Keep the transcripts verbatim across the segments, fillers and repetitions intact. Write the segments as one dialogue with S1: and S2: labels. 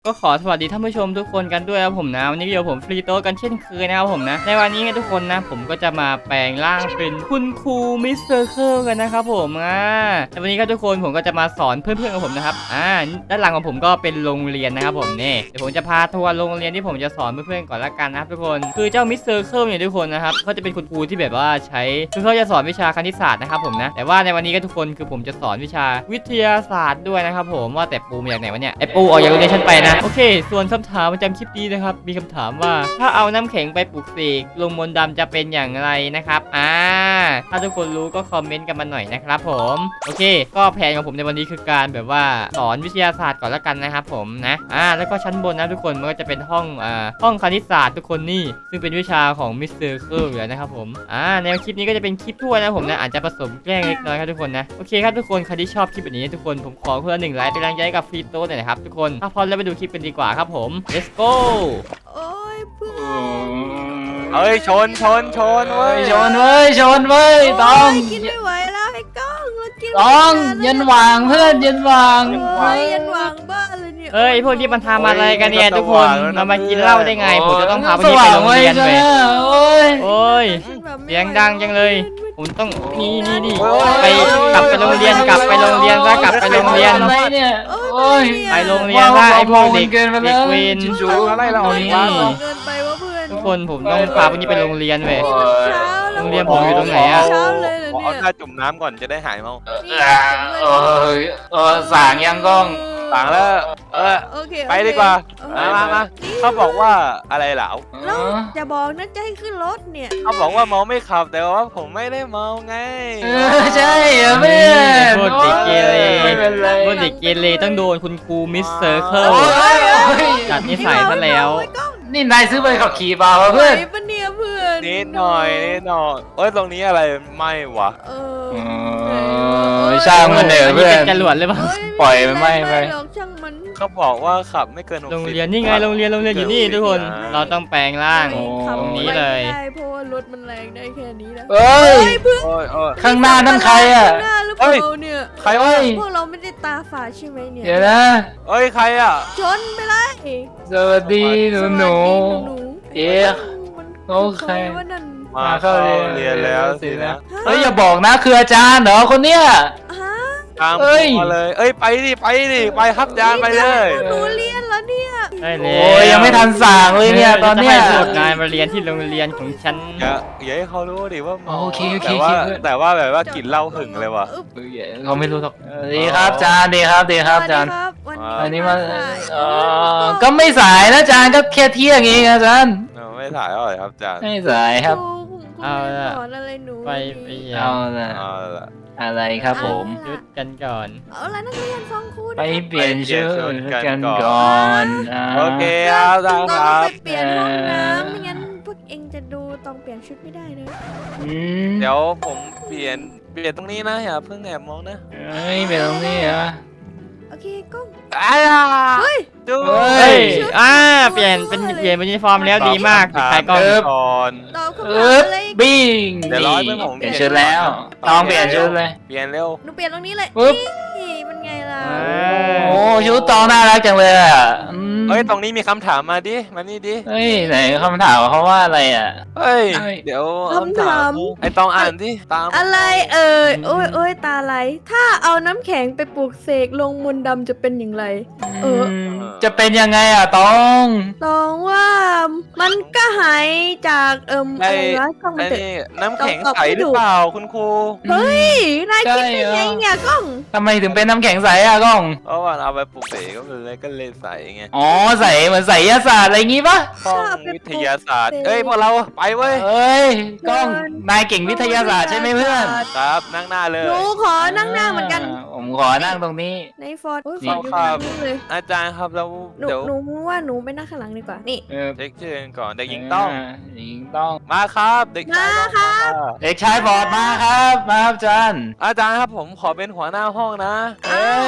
S1: ก็ขอสวัสดีท่านผู้ชมทุกคนกันด้วยครับผมนะวันนี้อยู่ผมฟรีโต้กันเช่นเคยนะครับผมนะในวันนี้ทุกคนนะผมก็จะมาแปลงร่างเป็นคุณครูมิสเตอร์เคิลกันนะครับผมอ่าในวันนี้ครับทุกคนผมก็จะมาสอนเพื่อนๆของผมนะครับอ่าด้านหลังของผมก็เป็นโรงเรียนนะครับผมนี่เดี๋ยวผมจะพาทัวร์โรงเรียนที่ผมจะสอนเพื่อนๆก่อนละกันนะครับทุกคนคือเจ้ามิสเตอร์เคิลเนี่ยทุกคนนะครับเขาจะเป็นคุณครูที่แบบว่าใช้คือเขาจะสอนวิชาคณิตศาสตร์นะครับผมนะแต่ว่าในวันนี้ก็ทุกคนคือผมจะสอนวิชาวิทยาศาสตร์ด้วยนะครับผมว่าแต่ปูมาจากไหนวะเนี่ยไอปูออกจากโรงเรียนฉันไปนะโอเคส่วนคำถามประจำคลิปนี้นะครับมีคำถามว่าถ้าเอาน้ำแข็งไปปลุกเสกลงมนต์ดำจะเป็นอย่างไรนะครับอ่าถ้าทุกคนรู้ก็คอมเมนต์กันมาหน่อยนะครับผมโอเคก็แผนของผมในวันนี้คือการแบบว่าสอนวิทยาศาสตร์ก่อนละกันนะครับผมนะอ่าแล้วก็ชั้นบนนะทุกคนมันก็จะเป็นห้องอ่าห้องคณิตศาสตร์ทุกคนนี่ซึ่งเป็นวิชาของมิสเตอร์เคิลอยู่แล้วนะครับผมอ่าแนวคลิปนี้ก็จะเป็นคลิปทั่วนะผมนะอาจจะผสมแกล้งเล็กน้อยครับทุกคนนะโอเคครับทุกคนใครที่ชอบคลิปแบบนี้ทุกคนผมขอเพื่อหนึ่งไลค์เป็นแรงใจกับฟรีโต้หน่อยนะครับทุกคนถ้าพร้อมแล้วไปดูคลิปกันดีกว่าครับผม let's go
S2: โอ้ยเพื่อน
S3: เอ้ยชนชนชนเว้ย
S4: ชนเว้ยชนเว้ยต้อง
S2: โยกินไม่ไหวแล้วไอ้ก้องเรากิน
S4: ต้องยันหวางเพื่อนยันหวาง
S2: โอ้ยยันวางบ้าเลยเนี่ย
S1: เอ้ยพวกที่มันทำอะไรกันเนี่ยทุกคนเรามากินเหล้าได้ไงผมจะต้องพาพวกนี้ไปโรงเรียนไป
S4: โอ้ย
S1: โอ้ย
S2: ฉันแบบไม่
S1: เสียงดังจังเลยผมต้องนี่นี่นี่
S3: โอ้ย
S1: ไปกลับไปโรงเรียนกลับไปโรงเรียนซะกลับไปโรงเรียน
S4: อะไรเนี่ย
S2: โอ้
S4: โอ้ย
S1: ไปโรงเรียนซะไอ้พวกเด็ก
S4: เกินไป
S1: เด็
S4: แล้
S1: ก
S4: ว
S1: เวร
S4: จู
S3: อะไรเรา
S1: นี่
S2: เกินไปว่าเพื่อน
S1: ทุกคนผมต้องพาพวกนี้ไปโรงเรียนเว้ย
S2: เช้าแล้ว
S1: โรงเรียนผมอยู่ตรงไหนอะ
S2: เช้าเลยเหรอ
S3: ขอเอา
S2: เนี่ย
S3: ท่าจุ่มน้ำก่อนจะได้หายเมา
S4: เออเออสางยังกล้อง
S3: ต่างแล้วเออ
S2: โอเค
S3: ไปดีกว่า
S2: โอเค
S3: มามามาเขาบอกว่าอะไรเหล่า
S2: แล้วจะบอกนะจะให้ขึ้นรถเนี่ย
S3: เขาบอกว่าเมาไม่ขับแต่ว่าผมไม่ได้เมาไง
S4: เออใช่เหรอเพื่อน
S1: พวกเด็กเกเร
S4: ไม่เป็นไร
S1: พวกเด็กเกเรต้องโดนคุณครูมิสเตอร์เคิล
S4: โอ้ยโอ้ย
S1: จัดนิสัยซะแล้ว
S2: ไอ้ก้อง
S4: นี่นายซื้อใบขับขี่เปล่าวะเพื่อน
S2: ไหวปะเนี่ยเพื่อน
S3: นิดหน่อยนิดหน่อยเอ้ยตรงนี้อะไรไม่วะ
S2: เอ
S4: เอ
S2: อ
S4: อช่างมันเถอะ
S1: อันนี้
S4: เพื่อ
S1: เป็น นจรวดเลยป่ะ
S2: เอ้
S4: ปล่อยมันไหม้ไป
S2: หรอกช่างมัน
S3: เขาบอกว่าขับไม่เกินหกสิบ
S1: โรงเรียนนี่ไงโรงเรียนโรงเรียนอยู่นี่ทุกคน เราต้องแปลงร่าง
S4: โอ้
S2: ขับ
S1: ตรงนี้เลย
S2: ไม่ได้เพราะว่ารถมันแรงได้แค่นี้นะ
S4: เอ้ย
S2: เพื่อน
S3: โอ้ยโอ้ย
S4: ข้างหน้านั่นใครอ่ะ
S2: ข้างหน้าหรือเปล่าเนี่ย
S3: ใครวะ
S4: เฮ้ย
S2: พวกเราไม่ได้ตาฝาดใช่ไหมเนี่ย
S4: เดี๋ยวนะ
S3: เอ้ยใครอ่ะ
S2: ชนไปเลย
S4: สวัสดีหนูหนู
S2: สวัสดีหนู
S4: เอ๊ะ
S2: มัน
S4: โอเค
S2: ใครว่านั่น
S3: มาเข้าเรียนแล้วสินะ
S4: เฮ้ยอย่าบอกนะคืออาจารย์เหรอคนเนี้ย
S2: ฮะ
S3: ตาม
S4: เอ้ย
S3: มาเลย เอ้ยไปดิไปดิไปครับจานไปเลย
S2: หนูเรียนแล้วเนี่ย
S1: ได้เลย
S4: โอ้ยยังไม่ทันสั่งเลยเนี่ยตอนเนี้ย
S1: จะให้พวกนายมาเรียนที่โรงเรียนของฉัน
S3: อย่าอย่าให้เขารู้ดิว่าเมา
S4: โอเคโอเค
S3: แต่ว่า
S4: โอเค
S3: แต่ว่าแบบว่ากลิ่นเหล้าหึงเลยว่ะ
S2: อึ๊บ
S4: เฮ้ยเขาไม่รู้หรอกเออดีครับอาจารย์ดีครับดีครับอาจารย์
S2: สวัสดีครับวัน
S4: อันนี้มา
S2: สาย
S4: เออก็ไม่สายนะอาจารย์ก็แค่เที่ยงเองอาจารย์
S3: เออไม่ถ่ายเท่าไหร่ครับจาน
S4: ไม่สายครับ
S2: ครูผมครู
S1: เอา
S2: ไม่
S1: ละ
S2: สอนอะไรหนู
S1: ไปไปเรียน
S4: เอาละ
S3: เอาละ
S4: อะไรครับผม
S1: หยุดกันก่อน
S2: เอาละนักเรียนฟังครู
S4: ไป
S2: นะ
S4: เปลี่ยนชุดกันก่อนอ่า
S3: โอเคครับได้
S2: ต้
S3: ค
S2: อง
S3: รับ
S2: ไปเปลี่ยนห้องน้ำไม่งั้นพวกเองจะดูต้องเปลี่ยนชุดไม่ได้นะ
S4: อืม
S3: เดี๋ยวผมเปลี่ยนเปลี่ยนตรงนี้นะอย่าเพิ่งแอบมองนะ
S4: เฮ้ยเป็นตรงนี้เหรอ
S2: โอเคกล้อง
S3: อ้าว
S2: เฮ้ย
S3: ดู
S4: เฮ้
S1: เฮ้
S4: ย
S1: ยอ่าเปลี่ยนเป็นเปลี่ยนเป็นยูนิฟอร์มแล้วดีมาก
S3: ถาม
S1: ใครก็
S3: เอก่อน
S2: ตอบคำ
S4: เอ
S2: ถาม
S4: อ
S2: อะไรอีก
S4: บิ้ง
S3: เดี๋ยวรอให้เพื่อนผม
S4: เปลี่ยนชุดแล้วต้องเปลี่ยนชุดเลย
S3: เปลี่ยนเร็ว
S2: หนูเปลี่ยนตรงนี้เลย
S4: ปึ๊บ
S2: นี่เป็นไงล่ะ
S1: อ่า
S4: โอ้ชุดตองน่ารักจังเลยอ่ะอืม
S3: เฮ้ยตรงนี้มีคำถามมาดิมานี่ดิ
S4: เฮ้ยไหนคำถามเขาว่าอะไรอ่ะ
S3: เฮ้ย
S4: เฮ้ย
S3: เดี๋ยว
S2: คำถาม
S3: ไอตองอ่านดิตาม
S2: อะไรเอ่ยโอ้ยโอ้ยตาไหลถ้าเอาน้ำแข็งไปปลูกเสกลงมนต์ดำจะเป็นอย่างไร เออ
S4: มจะเป็นยังไงอ่ะตอง
S2: ตองว่ามันก็หายจากเอิ่ม
S3: ไอ
S2: อะไรวะกล้องมัน
S3: ไอ
S2: เถอะ
S3: นี่น้ำแข็ง
S2: ตอบ
S3: ใส
S2: ไม่
S3: หรื
S2: ถู
S3: อก เปล่าคุณครู
S2: เฮ้ยนายคิด
S4: ใช่
S2: ได้
S4: เหรอ
S2: ไงเนี่ยกล้อง
S4: ทำไมถึงเป็นน้ำแข็งใสอ่ะกล้อง
S3: เพราะว่าเอาไปปลูกเสกก็เลยก็เลยใสไง
S4: อ๋อใสเหมือนใสยศาสตร์อะไรงี้ปะ
S3: ห้องวิทยาศาสตร์เอ้ยพวกเราไปเว้ย
S4: เอ้ยกล้องนายเก่งวิทยาศาสตร์ใช่ไหมเพื่อน
S3: ครับนั่งหน้าเลย
S2: หนูขอนั่งหน้าเหมือนกัน
S4: าผมขอนั่งตรงนี้
S2: ในฟอร์ดโอ้ย
S4: นี่
S2: ฟอร์ดอยู่ข้างหลังเลย
S3: อาจารย์ครับแล้ว
S2: หนู
S3: เดี๋ยว
S2: หนูว่าหนูไปนั่งข้างหลังดีกว่านี่
S4: เออ
S3: เช็คชื่อกันก่อนเด็กหญิงต้อง
S4: าเด็กหญิงต้อง
S3: มาครับเด็กชาย
S2: มา
S3: ต้อง
S2: ครับ
S4: เด็กชายบอดมาครับมาครับอาจารย์
S3: อาจารย์ครับผมขอเป็นหัวหน้าห้องนะ
S4: เอ้ย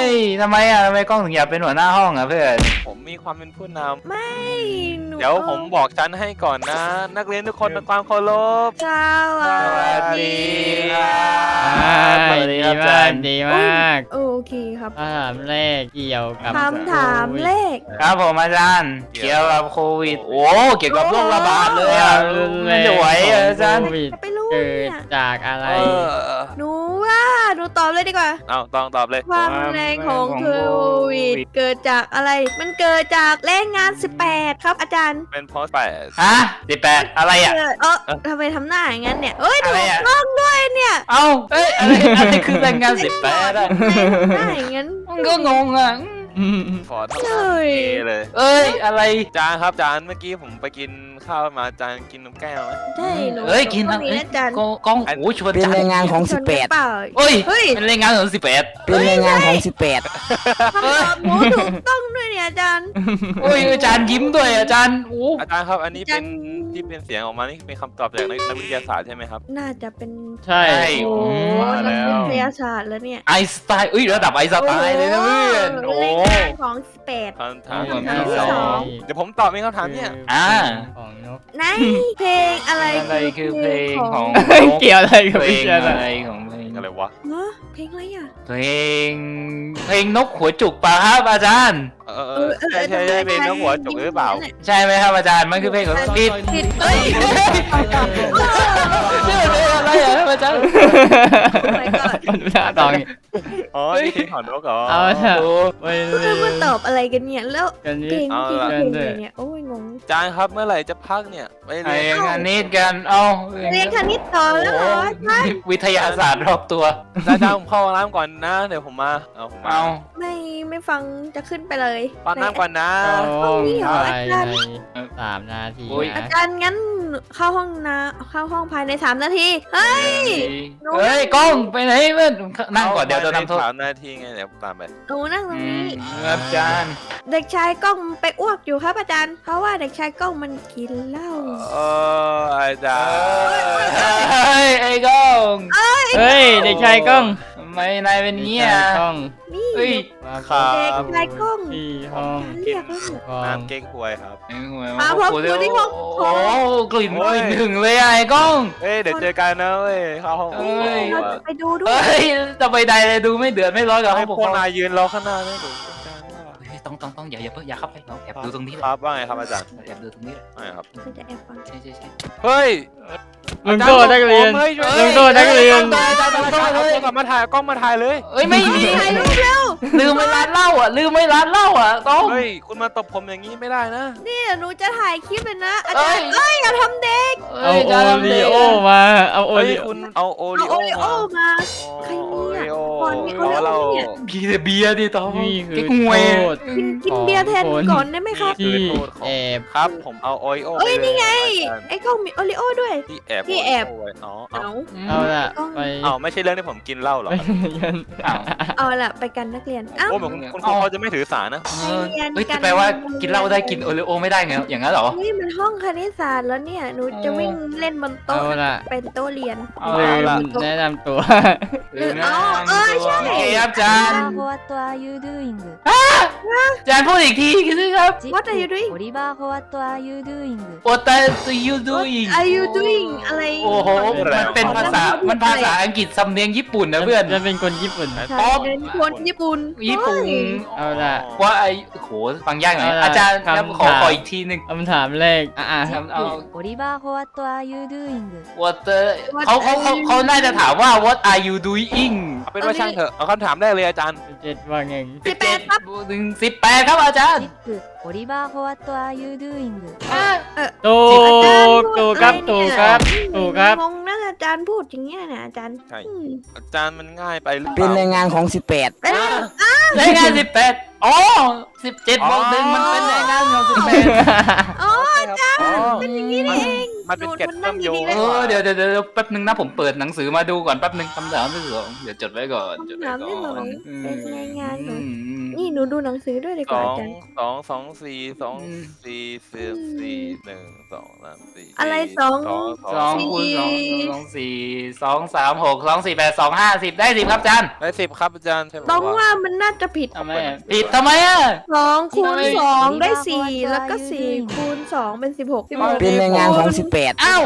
S4: ยทำไมอ่ะทำไมกล้องถึงอยากเป็นหัวหน้าห้องอ่ะเพื่อน
S3: ผมมีความเป็นผู้น
S2: ไม่หนู
S3: ำเดี๋ยวผมบอกชั้นให้ก่อนนะ นักเรียนทุกคนด้วยความเคารพ
S2: สวัสดี
S1: อ่า
S4: สวัสดี
S1: ดี
S4: ครับอา
S1: มา
S4: จาก รย์
S1: ดีมาก
S2: โอเคครับ
S1: คำถามแรกเกี่ยวกับ
S2: คำถามเลข
S4: ครับผมอาจารย์เกี่ยวกับโควิดโอ้เกี่ยวกับโรคระบาดเลยอ่ะมันจะไหวเหรออาจารย์
S1: โควิด
S2: จะไปรู้
S1: เกิ
S2: เนี่
S1: ด
S2: ย
S1: จากอะไร
S3: เออ
S2: หนูว่าหนูตอบเลยดีกว่า
S3: เอาต้องตอบเลย
S2: ความแรงของโควิดเกิดจากอะไร มันเกิดจากแรงงานสิบแปดครับอาจารย์
S3: เป็นเพราะแปด
S4: ฮะสิบแปดอะไรอ่ะ
S2: เกิดเออทำไมทำหน้าอย่างนั้นเนี่ยเอ้ยถู
S4: อะไร
S2: ก
S4: อะ
S2: ต้องด้วยเนี่ย
S4: เอ้าเอ้ยอะไรอะไรคือแรงงานสิบแปดอ่ะ
S2: หน้าอย่างนั้น
S4: มันก็งงอ่ะ
S1: อืม
S3: ขอทำ
S2: เล
S3: หน้าย เเลย
S4: เอ้ยอะไร
S3: จานครับจานเมื่อกี้ผมไปกินข้าวมาจานกินนมแก้วไหม
S2: ใช่หนู
S4: เอ้ยกิน
S2: ต้
S4: ทั้
S2: อง งมีนะอาจารย์
S4: กล้องกล้องโอ้ชวน
S5: เป็น
S4: จั
S5: แรงงานของ
S2: ช
S5: สิ
S2: น
S5: บ
S2: กั
S5: แป
S2: น
S5: ด
S2: เปล่า
S4: เอ้ย
S2: เฮ้ย
S4: เป็นแรงงานของสิบแปด
S5: เป็นแรงงานของสิบแปด
S2: คำตอบหนูถูกต้องด้วยเนี่ยอาจารย์
S4: โอ้ยอาจารย์ยิ้มด้วยอาจารย์โอ้
S3: อาจารย์ครับอันนี้เป็น
S2: จาน
S3: ที่เป็นเสียงออกมานี่เป็นคำตอบจากนักนักวิทยาศาสตร์ใช่ไหมครับ
S2: น่าจะเป็น
S1: ใช่
S2: โอ้
S1: อืม
S3: มาแล้
S2: นัก
S3: ว
S2: วิทยาศาสตร์แล้วเนี่ย
S4: ไอน์สไตน์เอ้ยระดับไอน์สไตน์เลยนะเพื่อนโอ้
S2: แรงงานของสิบแปด
S3: คำถาม
S2: คำถามที่สอง
S3: เดี๋ยวผมตอบเป็นคำถามเนี่ย
S4: อ่า
S1: ของนก
S2: ในเพลงอะไร
S4: อะไรคือเพลงของ
S1: เกี่ยวอะไรกับ
S4: เพล
S1: วิ
S4: ง
S1: ทยาศาสต
S4: อะไร
S1: ร์
S4: ของเพลง
S3: อะไรวะ
S2: ฮะเพลงอะไรอ่ะ
S4: เพลงเพลงนกหัวจุกป่ะครับอาจารย์
S3: เออเออใช่ใช่ใช่เป็นน้องหัวจุกหรือเปล่า
S4: ใช่ไหมครับอาจารย์มันคือเพลงของผิด
S2: ผิดเอ้ย
S4: ชื่อเพลงอะไรอ่ะครับอาจารย์
S2: my god
S1: มันหน้าตองนี่
S3: อ๋อนี่คือของนกเหรอ
S1: เอาเถอะ
S4: โอ้
S1: ไปเล
S2: เพื่อนมันตอบอะไรกันเนี่ยแล้ว
S1: กัน
S2: เพล
S1: นี่
S2: ง
S3: เอา
S2: ที่
S3: ล่ะ
S2: เพลงอะไรเนี่ยโอ้ยงง
S3: จานครับเมื่อไหร่จะพักเนี่ยไป
S4: ไอ้
S3: เรียน
S4: งานนี้กันเอา
S2: เรียนคณิตต่อแล้วเหรอใช่
S4: วิทยาศาสตร์รอบตัว
S3: จานจานผมเข้าห้องน้ำก่อนนะเดี๋ยวผมมาเอาผมมา
S4: เอา
S2: ไม่ไม่ฟังจะขึ้นไปเลย
S3: ป้อนน้ำก่อนนะ
S1: เข้า
S2: ห้องนี้เหรอ
S1: ภาย
S2: อาจารย์
S1: ในสามนาที
S2: อา
S1: นะ
S2: จารย์งั้นเข้าห้องนะเข้าห้องภายในสามนาทีเฮ้ย หนู
S4: เฮ้ยกล้องไปไหนเพื่อนนั่งก่อนเดี๋ยวจะนำโทษ
S3: สามนาทีไงเดี๋ยวผมตามไป
S2: หนูนั่งตรง
S4: อืม
S2: นี้
S4: ครับอาจารย์
S2: เด็กชายกล้องไปอ้วกอยู่ครับอาจารย์ เพราะว่าเด็กชายกล้องมันกินเหล้า
S3: เอออาจารย์
S4: เฮ้ยไอ้กล้อง
S1: เฮ้ยเด็กชายกล้อง
S4: ทำไมนายเป็นเงี้ย
S1: ด็กชายกล้อง
S2: นี่
S4: เฮ้ย
S1: มา
S3: ครับ
S2: เด็กชายกล้อง
S1: ที่ห้อง
S2: เรียกแล้วเนี่ย
S1: ห้อง
S3: น้ำเก๊กฮวยครับ
S4: ไอ้หัว
S2: มาพร้อมกูที่ห้อง
S4: โอ้กลิ่น
S3: โอ้
S4: ก
S3: ย
S4: ลิ่นถึงเลยอะไอ้กล้อง
S3: เอ้ยเดี๋ยวเจอกันนะเว้ยเข้าห้อง
S4: เอ้ย
S2: เราจะไปดูด้วย
S4: เฮ้ยจะไปใดเลยดูไม่เดือดไม่ร้อนกับ
S3: ให้
S4: ห้องปก
S3: พว
S4: ค
S3: ก
S4: รอง
S3: นายยืนรอข้างหน้าเนี่ยเดี๋ยวอาจารย์ว่า
S4: เฮ้ยต้องต้องต้องอย่าอย่าเพิ่งอย่าเข้าไปเราแอบดูตรงนี้
S3: ค
S4: เลย
S3: รับว่าไงครับอาจารย์
S4: แอบดูตรงนี้เลย
S3: ว่าไงครับ
S2: เราจะแอบฟัง
S4: ใช่ใช่ใช่
S3: เฮ้ย
S1: ลุงโตนักเรียน
S3: เฮ้ย
S1: ลุงโตนักเรียน
S3: อาจารย์อาจารย์เอาโทรศัพท์มาถ่ายเอากล้องมาถ่ายเลย
S4: เอ้ยไม่มี
S2: ถ่ายรูปเร็ว
S4: ลืมไม่ร้านเหล้าอ่ะลืมไม่ร้านเหล้าอ่ะต้อง
S3: เฮ้ยคุณมาตบผมอย่างนี้ไม่ได้นะ
S2: นี่เดี๋ยวหนูจะถ่ายคลิปเลยนะ อาจารย์เอ้ยอย่าทำเด็ก
S1: เอาโอริโอมา เอาโอ
S3: เฮ้ย
S1: ริโอ
S3: คุณเอาโอ
S2: เอา
S3: ริ
S2: โอ
S3: โอ
S2: ริโอ
S3: มา
S2: มา ใครเนี่ย
S3: โอ
S2: ก่อนมีโอริโอ
S3: เรา
S2: เนี่ย
S4: กินแต่เบียร์ดิต้อง
S1: นี่คือ
S4: เก๊กฮวย
S1: โทษ
S2: กินกินเบียร์แทนก่อนได้ไหมครับ
S1: ที่แอบ
S3: ครับผมเอาโอริโอ
S2: เอ้ย
S3: ปล
S2: นี่ไง
S3: อาจารย์
S2: ไอ้กล้องมีโอริโอด้วย
S3: ที่แอบ
S2: ที่แอบ
S3: โริโไว้อ๋อเอา
S2: เอา
S1: เอาละไป
S3: เอาไม่ใช่เรื่องที่ผมกินเหล้าหรอ
S1: ไปเรียน
S4: อ้าว
S2: เอาล่ะไปกันนักเรียนเอ้า
S3: โอ้เหมือนคุณคุณครูเขาจะไม่ถือสานะ
S4: เออเฮ้ยจะแปลว่ากินเหล้าได้กินโอริโอไม่ได้ไงอย่างนั้นเหรอ
S2: นี่มันห้องคณิตศาสตร์แล้วเนี่ย หนูจะวิ่งเล่นบน
S1: เอา
S2: โต๊ะ
S1: ละ
S2: เป็นโต๊ะเรียน
S4: เอา
S1: ลื
S4: ละ
S1: มแนะนำตัว
S4: ลืมนะ
S2: เอาเออใช่
S4: โอเคครับอาจารย์
S6: What are you doing?
S4: อาจารย์พูดอีกทีคือครับ
S2: What are you doing?
S6: Oliver, what are you doing?
S4: What are you doing
S2: What are you doing อะไร
S4: โอ้โหมันเป็นภาษามันภาษาอังกฤษสำเนียงญี่ปุ่นนะเพื่อน
S1: จะเป็นคนญี่ปุ่น
S2: ใช่เป็นคนญี่ปุ่น
S4: ญี่ปุ่น
S2: เฮ้ย
S1: เอาละ
S4: ว่าไอ้โหฟังยากหน่อย
S1: เอาล่ะ
S4: อาจารย์ครับ
S1: คำ
S4: ขอ
S1: ถาม
S4: ขออีกทีหนึ่ง
S1: คำถามแรก อ่ะ
S4: ครับเอา
S6: Oliver, what are you doing?
S4: What the- เขาเขาเขาเขาน่าจะถามว่า What are you doing
S3: เอาเป็นว่าช่างเถอะเอาคำถามแรกเลยอาจารย์
S1: เจ็ดว่าไง
S2: สิบแปดครับ
S4: หนึ่งสิบแปดครับอาจารย์
S6: Six. Oliver, what are you doing?
S1: ถูกถูกครับถูกครับถูกครับ
S2: งงนะอาจารย์พูดอย่างเงี้ยนะอาจารย์
S3: ใช่
S2: อืม
S3: อาจารย์มันง่ายไปหรือเป
S5: เป็น
S3: ล่า
S5: แรงงานของสิบแปด
S2: เป็น
S4: รายงานสิบแปดอ๋อสิบเจ็ดบวกหนึ่งมันเป็นรายงานของสิบแปด
S2: อ๋อ
S3: อาจารย์
S2: เป็นอย่างนี้นี่เอง
S3: มันมันเป็นเกล็ด
S2: ห
S3: เชื่อมโยง
S2: นั่
S4: เออเดี๋ยวเดี๋ยวเดี๋ยวแป๊บนึงนะผมเปิดหนังสือมาดูก่อนแป๊บนึงคำถามที่สองเดี๋ยวจดไว้ก่อนจดไว้
S2: ถาม
S4: ก่
S2: ที่ส
S4: อ
S2: อน ง
S4: อืม
S2: เป็นรายงานเหรอ
S4: อืม
S2: นี่หนูดูหนังสือด้วยดี
S3: ส
S2: กว่า
S3: อ
S2: อาง จารย์
S3: สองสองสี่สองสี่สิบสี่หนึ่งสองสามสี่
S2: อะไรสอง
S3: สอง
S4: สองคูณสองสองสี่สองสามหกสองสี่แปดสองห้าสิบได้สิบครับอาจารย์
S3: ได้สิบครับอาจารย์ใช่ไหม
S2: ต้องว่ามันน่าจะผิด
S4: ทำไมอะผิดทำไมอ่ะ
S2: สองคูณ
S4: ทำไม
S2: สองได้สี่แล้วก็สี่คูณสองเป็นสิบหกสิบหก
S5: เป็นรายงานของสิบแปด
S4: เอ้า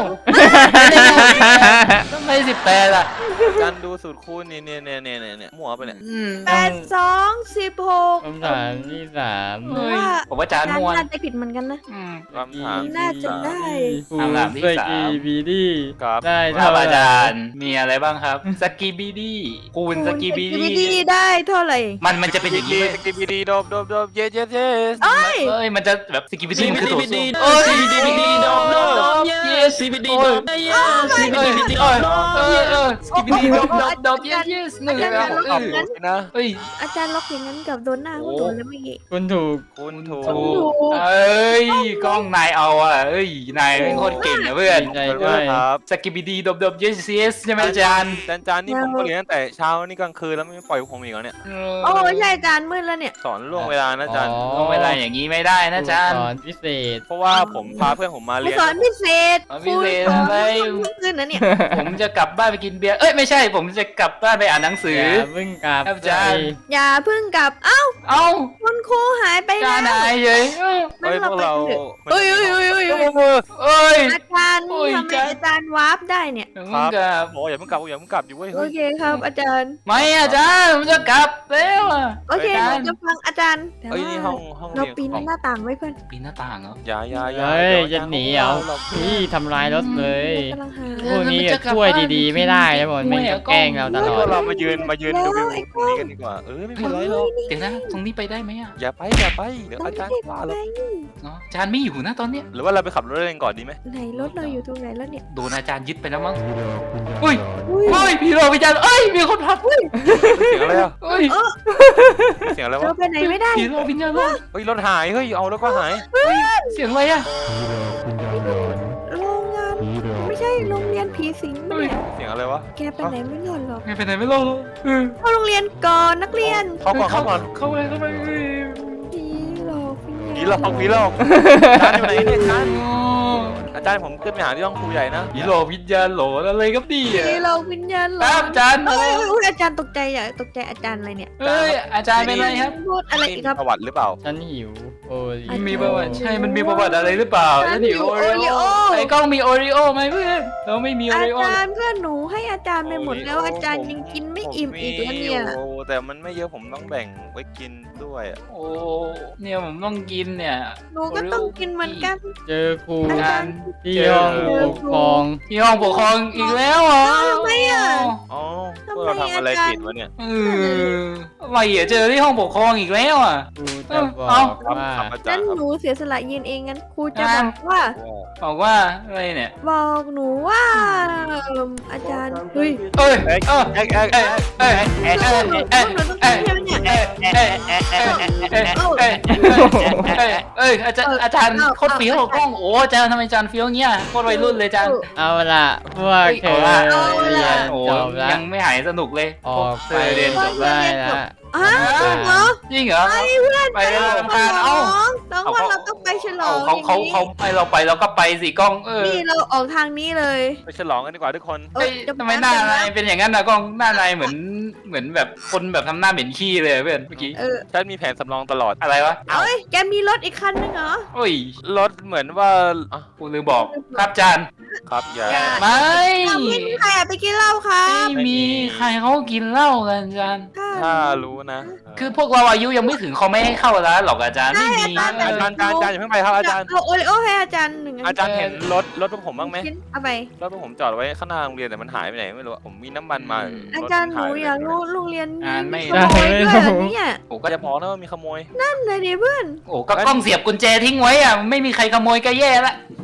S4: ทำไมสิบแปดอ่ะ
S3: อาจารย์ดูสูตรคูณนี่เนี่ยเนี่ยเนี่ยเนี่ยมั่วไปเนี่ย
S4: อืม
S2: แปดสองสิบหก
S1: คำถามที่สาม
S2: หนูว่า
S4: ผมว่าอาจารย์มวน
S2: น่าจะผิดเหมือนกันนะ
S4: อืม
S3: คำถาม
S2: น่าจะได้
S1: คูณ
S4: คำถามที่
S1: ส
S4: สาม
S1: กีบีดี
S3: ครับ
S1: ได้
S4: ค
S1: เท่า
S4: รับ
S1: ไหร่
S4: อาจารย์มีอะไรบ้างครับสกีบีดีคูณสกีบี
S2: คูณ
S4: ดี
S2: สกีบีดีได้เท่าไหร่
S4: มันมันจะเป็นอ
S3: ส
S4: ย่าง
S3: กี
S4: นี้
S3: สกีบีดีโดบโดบโดบเยสเยสเยส
S2: เอ้ย
S4: เอ้ยมันจะแบบสกีบีดีมันคือตัวสู้
S1: โอ้ย
S4: ซีบีดีบีดีโดมโดมโดมเยสซีบีดีโดมเยสซีบีดีบีดีโอ้ยเออเออสกีบีดีโดมโดมโดมเยสเยสหนึ่งแล้วเอ
S3: เอา
S4: อ
S3: หมดนะ
S4: เอ้ย
S2: อาจารย์ล็อกอย่างนั้นกับโดนหน้าพวกหนูแล้วเมื่อกี้
S1: คุณถูก
S3: คุณถูก
S4: ถูกเอ้ยกล้องนายเอาอ่ะเอ้ยนายเป็นคนเก่งนะเพื่อน
S1: ดีใจ
S3: ขอบ
S1: ด้
S3: คุ
S1: ว
S3: ณ
S1: ย
S3: ครับ
S4: สกีบีดีโดมโดมเยสเยสใช่ไหมอาจารย์
S3: อาจารย์อาจารย์นี่ผมก็เรียนตั้งแต่เช้านี่กลางคืนแล้วไม่ปล่อยผมอีกแล้วเนี่ย
S2: โอ้ใช่อาจารย์มืดแล้วเนี่ย
S3: สอนล่วงเวลานะอาจารย์
S1: อ๋อ
S4: ลงเวลาอย่างนี้ไม่ได้นะอาจารย์
S1: สอนพิเศษ
S3: เพราะว่าผมพาเพื่อนผมมา
S2: ครู
S3: เรียน
S2: สอนพิเศษ
S4: สอน
S2: ค
S4: พิ
S2: รู
S4: เศษ
S2: สอน
S4: อะไร
S2: ขึ้นนะเนี่ย
S4: ผมจะกลับบ้านไปกินเบียร์เอ้ยไม่ใช่ผมจะกลับบ้านไปอ่านหนังสือ
S1: อย่าเพิ่งกลับ
S4: ครับอาจารย์
S2: อย่าเพิ่งกลับ เอ้า
S4: เอ้า
S2: คุณครูหายไป
S4: จา
S2: แล้ว
S4: นายเฉยเอ้า
S3: เฮ้ยพวกเรา
S2: เอ้ยเอ้ยเอ้ยเอ้ยเอ้ย
S4: เอ้ย
S2: อาจารย์
S4: โอ้ย
S2: ทำไม
S4: อาจารย์
S2: อาจารย์วาร์ปได้เนี่ย
S4: มึงกลับ
S3: โอ้ยอย่าเพิ่งกลับอย่าเพิ่งกลับอยู่เว้ย
S2: โอ
S3: เฮ้ย
S2: เคครับ อาจารย์
S4: ไม่อาจารย์ผมจะกลับแล้วอะ
S2: โอเค
S4: อา
S2: ห
S4: จา
S2: นู
S4: รย์
S2: จะฟังอาจารย์แต่
S3: เอ้ย
S2: ว่า
S3: นี่ห้องห้อง
S2: เรา
S3: เรียน
S2: ปีน
S3: ของ
S2: หน้าต่างไว้เพื่อน
S4: ปีนหน้าต่างเหรอ
S3: อย่าอย่าอย่า
S1: เฮ้ย
S3: ดี๋ว
S1: จะหนีเหรอ
S3: เรา
S1: พี่ทำลายรถเลย
S2: กำลังหา
S1: พวกนี้อะช่วยดีๆไม่ได้นะบอลไม่งแกล้งเราตล
S3: เฮ้ย
S1: อ
S3: พว
S1: ด
S3: กเรามายืนมายืนดูวิวตรงนี้กันดีกว่าเออไม่เป็นไรหรอก
S4: เดี๋ยวนะตรงนี้ไปได้ไหมอะ
S3: อย่าไปอย่าไปเดี๋ยวอาจารย์ว่าเรา
S4: เนาะอาจารย์ไม่อยู่นะตอนเนี้ย
S3: หรือว่าเราไปขับรถเล่นก่อนดีไหม
S2: ไหนรถเราอยู่ตรงไหนแล้วเนี่ย
S4: โดนอาจารย์ยึดไปแล้วมั้งเฮ้ย
S2: อุ้ย
S4: เฮ้ยพี่โรพี่อาจารย์เอ้ยมีคนพักเฮ้ย
S3: เสียงอะไรอ่ะ
S4: เฮ้ย
S3: เสียงอะไร
S2: เรา
S3: วะ
S2: ไปไหนไม่ได้
S4: พี่โรพี่อาจารย์
S3: เฮ้ยรถหายเฮ้ยเอาแล้วก็หาย
S4: เสียงอะไรอะ
S2: โรงงานไม่ใช่โรงเรียนผีสิงปะเนี่ย
S3: เสียงอะไรวะ
S2: แกไปไหนไม่รอดหรอก
S4: ไม่ไปไหนไม่รอดหรอกเออ
S2: เข้าโรงเรียนก่อนนักเรียน
S3: เข้าก่อนเข้าก่อน
S4: เข้าไปเข้าไปเฮ้ย
S2: ผีหลอก
S3: ผีหลอกผีหลอกอาจารย์อยู่ไหนเนี่ยอาจารย์อาจารย์ผมขึ้นไปหาที่ห้องครูใหญ่นะ
S4: ผีโรวิญญาณโหลอะไรครับดี
S2: ผี
S4: อะ
S2: หลอกวิญญาณหล
S4: ค
S2: อ
S4: รับ
S2: ก
S4: อาจารย์
S2: เอ้ยเอ้ยเอ้ยอาจารย์ตกใจอ่ะตกใจอาจารย์อะไรเนี่ย
S4: เฮ้ยอาจารย์เป็นไรครับ
S2: พูดอะไรอีกครับ
S3: ประวัติหรือเปล่า
S1: ฉันหิวโอ้ย
S4: มีประวัติใช่มันมีประวัติอะไรหรือเปล่า
S2: ฉั
S4: ฉั
S2: น
S4: น
S2: หิ
S4: หิ
S2: ว
S4: วโอริโอ
S2: Oreo
S4: ไอ้กล้องมีโอริโอไหมเพื่อนเราไม่มีโอ
S2: อา
S4: ริโอ
S2: จารย์เพื่อนหนูให้อาจารย์ไปหมดแล้วอาจารย์ยังกินไม่อิ่มอีกแล้วเนี่ย
S3: โอ้แต่มันไม่เยอะผมต้องแบ่งไว้กินด้วยอะ
S4: โอ้เนี่ยผมต้องกินเนี่ย
S2: หนูก็ต้องกินเหมือนกัน
S1: เจอครู
S2: อาจา
S4: การ
S2: ย์
S1: ที่ห้องปกครอง
S4: ที่ห้องปกครองอีกแล้วเหรอ
S2: ทำไมอ่ะ
S3: อ๋อพวกเราทำอะไรผิดวะเนี่ย
S4: เอออะไรอ่ะเจอที่ห้องปกครองอีกแล้วอ่ะ
S1: ครูจะบอ
S4: เอ้า
S1: ก
S3: ครับ
S1: ว่า
S3: ครับอาจาร
S2: งั้น
S3: ย์ครับ
S2: หนูเสียสละยืนเองงั้นครูจะ
S4: อ่า
S2: บอกว่า
S4: บอกว่าอะไรเนี่ย
S2: บอกหนูว่าเอิ่มอาจารย์เฮ้ย
S4: เอ้ย
S3: เอ้ย
S4: เอ้ย
S3: เอ้ยเอ้ย
S4: เอ้ย
S3: เอ้ย
S4: เอ้ย
S2: หนู
S4: เอ้ย
S2: หนูต้องกินใช่ไหมเนี่ย
S4: เอ้ยเอ้ยเอ้ยเอ้ยเอ้ยเอ้ยเอ้ยอาจารย์อาจารย์โคตรเฟี้ยวกล้องโอ้อาจารย์ทำไมอาจารย์เฟี้ยวเงี้ยโคตรวัยรุ่นเลยอาจารย์
S1: เอาล่ะพวกเธอ
S4: เอาล่ะ
S1: เรียน
S4: โอ้
S1: จบแล้ว
S4: ยังไม่หายสนุกเลย
S1: ออกไป
S4: เธอเรียนจบ
S1: ได้แล้ว
S2: อ้าวเหรอ
S4: จริงเหรอ
S2: ไปเพื่อน
S4: ไปแล้ว
S2: ฉ
S4: รำคาญ
S2: ล
S4: เอ้า
S2: องน้องว่าเราต้องไปฉลอง
S4: เขาเขาเขาไปเราไปเราก็ไปสิกล้องเออ
S2: นี่เราออกทางนี้เลย
S3: ไปฉลองกันดีกว่าทุกคน
S2: เอ้
S4: เฮ้
S2: ย
S4: ย
S2: เดี๋ยว
S4: ทำไมหน้านายเป็นอย่างนั้นนะกล้องหน้านายเหมือนเหมือนแบบคนแบบทำหน้าเหม็นขี้เลยเพื่อนเมื่อกี้
S2: เออ
S3: ฉันมีแผนสำรองตลอด
S4: อะไรวะ
S2: เอ้ยแกมีรถอีกคันนึงเหรอ
S4: โอ้ย
S3: รถเหมือนว่าอ่ะ
S4: กูลืมบอกครับจาน
S3: ครับอย่า
S2: อย่า
S4: ไม่
S2: เราไม่มีใครอะไปกินเหล้าครั
S4: ไม่
S2: บ
S4: มีใครเขากินเหล้ากันจาน
S3: ถ้ารู้นะ
S4: คือพวกเราอายุยังไม่ถึงเขาไม่ให้เข้าร้านหรอกอาจารย์ไม่มี
S2: อาจารย์
S3: อาจารย์อาจารย์อาจารย์อย่าเพิ่งไปครับอาจารย์
S2: เอาโอริโอให้อาจารย์หนึ่งน
S3: อาจารย์เห็นรถรถพวกผมบ้างไหม
S2: ชิ้นเอาไป
S3: รถพวกผมจอดไว้ข้างหน้าโรงเรียนแต่มันหายไปไหนไม่รู้อะผมมีน้ำมันมา
S2: อาจารย์หนูอยากรู้โรงเรียน
S4: อ่านไม่
S2: ขโมยด้วยเหรอเนี่ย
S4: โอ้
S3: ก็
S4: ก็
S3: จะบอกนะว่ามีขโมย
S2: นั่นเลยดิเพื่อน
S4: โอ้ก็กล้องเสียบกุญแจทิ้งไว้อ่ะไม่มีใครขโมยก็แย่ละ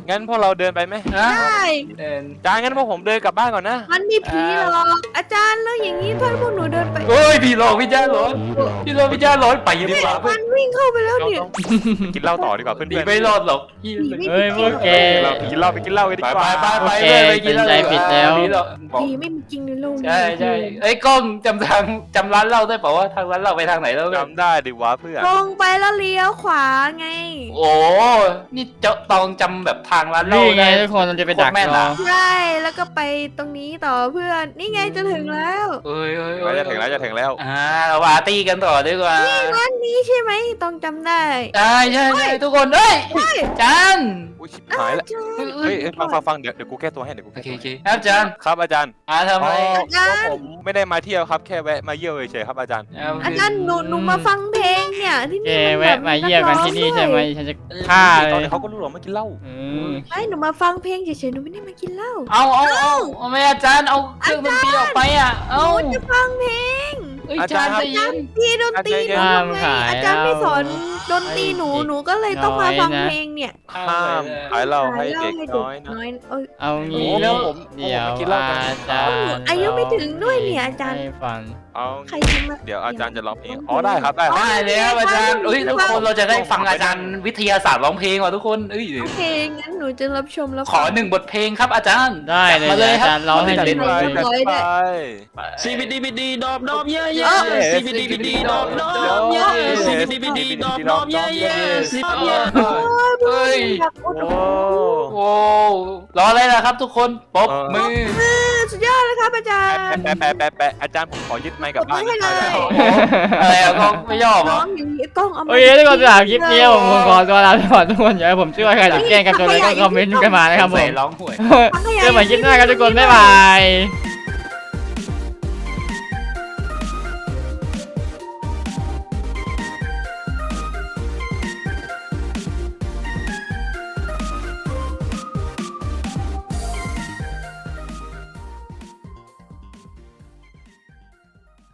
S3: งั้นพวกเราเดินไปไหม
S4: ฮะ
S2: ได้
S4: เดิน
S3: อาจารย์งั้นพวกผมเดินกลับบ้านก่อนนะ
S2: มันมีผีหรอกอาจารย์แล้วอย่างนี้ถ้าพวกหนูเดินไป
S4: เฮ้ยพี่โลพี่จ้าหลอนพี่โลพี่จ้าหลอนไปดีกว่าเพื่
S2: มั
S4: อน
S2: นวิ่งเข้าไปแล้ว
S3: ต้อง
S2: เนี่ย
S3: ต้องกินเหล้าต่อดีกว่าเพื่อน
S4: หนี
S3: ๆ
S4: ไม่รอดหรอกพี่
S2: หนีไม่
S1: เฮ้ยพวกแก
S3: เราไปกินเหล้าไปกินเหล้ากันดี
S4: ไป
S3: กว่า
S4: ไปไป
S1: โอเค
S4: เลยไปกินแล้ว
S1: ใจผิดแล้ว
S4: นี่หรอก
S2: ผีไม่มีจริงในโลกนี้
S4: ใช่ใช่ไอ้ยกล้องจำทางจำร้านเหล้าได้เปล่าว่าทางร้านเหล้าไปทางไหนแล้ว
S3: จำได้ดิวะเพื่อน
S2: ตรงไปแล้วเลี้ยวขวาไง
S4: โอ้นี่เจ้าตองจำแบบทางร้านเหล้า
S1: นี่ไง
S4: ได้
S1: ทุกคนเราจะไปดัก
S4: โคตรแม่น
S1: รอ
S4: อะ
S2: ใช่แล้วก็ไปตรงนี้ต่อเพื่อน นี่ไงจะถึงแล้ว
S4: เอ้ยเอ้ย
S3: เดี๋ยวจะถึงแล้วจะถึงแล้ว
S4: อ่าเราปาร์ตี้กันต่อดีกว่า
S2: ร้านนี้ใช่ไหมต้องจำได้
S4: ใช่ใช่ใช่ทุกคนเอ้ยจาน
S3: อุ้ยชิบหายแล้ว
S2: อาจารย์
S3: เฮ้ยเอ้ยฟังฟังฟังเดี๋ยวเดี๋ยวกูแก้ตัวให้เดี๋ยวกู
S4: โอ
S3: แก้
S4: เค
S3: ตัว
S4: โอเคครับจาน
S3: ครับอาจารย์
S4: อ่าทำไม
S3: อ๋อ
S2: อาจารย์
S3: ผมไม่ได้มาเที่ยวครับแค่แวะมาเยี่ยวเฉยๆครับอาจารย์
S2: อาจารย์หนูหนูมาฟังเพลงเนี่ยที่
S1: แก
S2: นี่มันแบบ
S1: แวะมาเยี่ยมกันที่นี่ใช่ไหมฉันจะฆ่า
S3: ต
S1: เล
S3: อน
S1: ย
S3: นี้เขาก็รู้หรอกมากินเหล้า
S1: อืม
S2: ไม่หนูมาฟังเพลงเฉยๆหนูไม่ได้มากินเหล้า
S4: เอาเอาเอาเอาไม่อาจารย์เอาเครื่องดนตรีออกไปอ่ะ
S2: ห
S4: เอา
S2: นูจะฟังเพลง
S4: เอ้ยอาจารย์ใจเย็น
S2: พี่ดนตรีหนูทำไงอาจารย์ไม่สอนดนตรีหนูหนูก็เลยต้องมาฟังเพลงเนี่ย
S3: ห้ามขายเหล้าให้เด็ก
S2: ให้
S3: น้อยนะ
S2: น้อยเอ้ย
S1: เอางี้
S3: โอ้โหผม
S1: เดี๋ยว
S3: ผมกินเหล้ากัน
S1: อาจารย์
S2: อายุไม่ถึงด้วยเนี่ยอาจารย์
S1: ให้ฟัง
S3: เอา
S2: ใครจะมา
S3: เดี๋ยวอาจารย์จะร้องเพลงอ๋อได้ครับได้ครับ
S4: ได้แล้วอาจารย์เอ้ยทุกคนเราจะได้ฟังอาจารย์วิทยาศาสตร์ร้องเพลงว่ะทุกคนเอ้ย
S2: โอเคงั้นหนูจะรับชมแล้ว
S4: ขอหนึ่งบทเพลงครับอาจารย์
S1: ได้เลย
S4: มาเลย
S1: อา
S4: ครับ
S1: จารย์ร้องให้
S4: จัด
S1: เล่น
S4: ไป
S1: เลย
S3: จัดไป
S7: ซีบีดีบีดีดอบดอบเย่
S2: เอ
S7: เย่
S2: อ
S7: ซีบีดีบีดีดอบดอบเย่ซีบีดีบีดีดอบดอบเย่เย่ซีบีเย่
S4: เฮ้ย
S2: อยากพูด
S3: โอ้
S4: โอ้รออะไรล่ะครับทุกคนปรบมือ
S2: สุดยอดเลยครับอาจารย์
S3: แปะแปะแปะแปะอาจารย์ผมขอยึดไมค์กลับบ้าน
S2: กดไว้ให้เลย
S4: อะไรอะก็ไม่ยอมเหร
S2: น้
S4: อ
S2: องอย่างนี้กล้องเอามา
S1: โอเคทุกคนสำหรับคลิปนี้ผมผมขอตัวลาไปก่อนทุกคนอย่าให้ผมช่วยใครหรือแกล้งกันจนเลยก็คอมเมนต์กันมานะครับผ
S4: ใส่
S1: ม
S4: ร้องหวย
S1: เจอกันใหม่คลิปหน้าครับทุกคนบ๊ายบาย